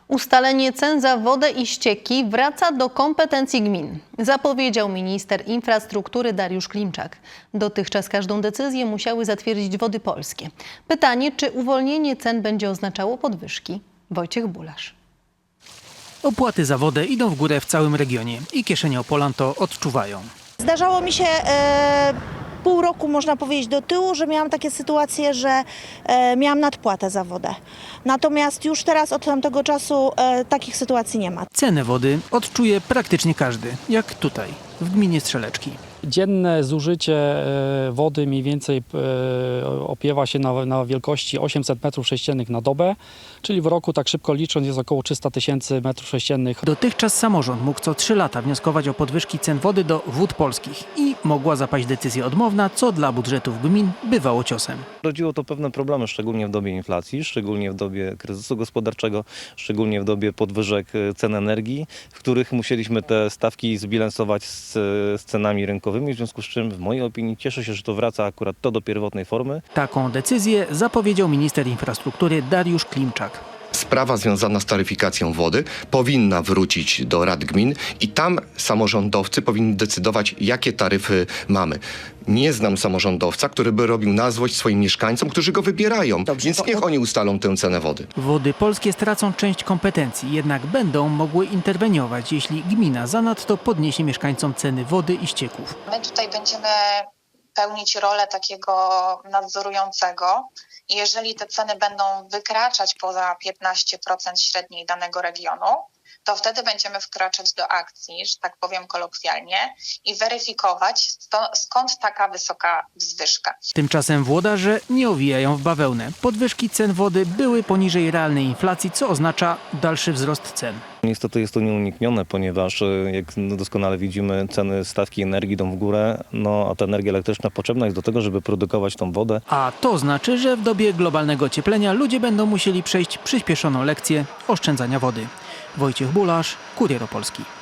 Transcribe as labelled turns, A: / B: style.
A: Ustalenie cen za wodę i ścieki wraca do kompetencji gmin, zapowiedział minister infrastruktury Dariusz Klimczak. Dotychczas każdą decyzję musiały zatwierdzić Wody Polskie. Pytanie, czy uwolnienie cen będzie oznaczało podwyżki? Wojciech Bulasz.
B: Opłaty za wodę idą w górę w całym regionie i kieszenie Opolan to odczuwają.
C: Zdarzało mi się pół roku, można powiedzieć, do tyłu, że miałam takie sytuacje, że miałam nadpłatę za wodę. Natomiast już teraz od tamtego czasu takich sytuacji nie ma.
B: Cenę wody odczuje praktycznie każdy, jak tutaj, w gminie Strzeleczki.
D: Dzienne zużycie wody mniej więcej opiewa się na wielkości 800 m3 na dobę, czyli w roku, tak szybko licząc, jest około 300 000 m3.
B: Dotychczas samorząd mógł co 3 lata wnioskować o podwyżki cen wody do Wód Polskich i mogła zapaść decyzja odmowna, co dla budżetów gmin bywało ciosem.
E: Rodziło to pewne problemy, szczególnie w dobie inflacji, szczególnie w dobie kryzysu gospodarczego, szczególnie w dobie podwyżek cen energii, w których musieliśmy te stawki zbilansować z cenami rynkowymi, w związku z czym w mojej opinii cieszę się, że to wraca akurat do pierwotnej formy.
B: Taką decyzję zapowiedział minister infrastruktury Dariusz Klimczak.
F: Sprawa związana z taryfikacją wody powinna wrócić do rad gmin i tam samorządowcy powinni decydować, jakie taryfy mamy. Nie znam samorządowca, który by robił na złość swoim mieszkańcom, którzy go wybierają, więc niech oni ustalą tę cenę wody.
B: Wody Polskie stracą część kompetencji, jednak będą mogły interweniować, jeśli gmina zanadto podniesie mieszkańcom ceny wody i ścieków.
G: My tutaj będziemy pełnić rolę takiego nadzorującego. I jeżeli te ceny będą wykraczać poza 15% średniej danego regionu, to wtedy będziemy wkraczać do akcji, że tak powiem kolokwialnie, i weryfikować, skąd taka wysoka wzwyżka.
B: Tymczasem włodarze nie owijają w bawełnę. Podwyżki cen wody były poniżej realnej inflacji, co oznacza dalszy wzrost cen.
E: Niestety jest to nieuniknione, ponieważ jak doskonale widzimy, ceny stawki energii idą w górę, a ta energia elektryczna potrzebna jest do tego, żeby produkować tą wodę.
B: A to znaczy, że w dobie globalnego ocieplenia ludzie będą musieli przejść przyspieszoną lekcję oszczędzania wody. Wojciech Bulasz, Kurier Opolski.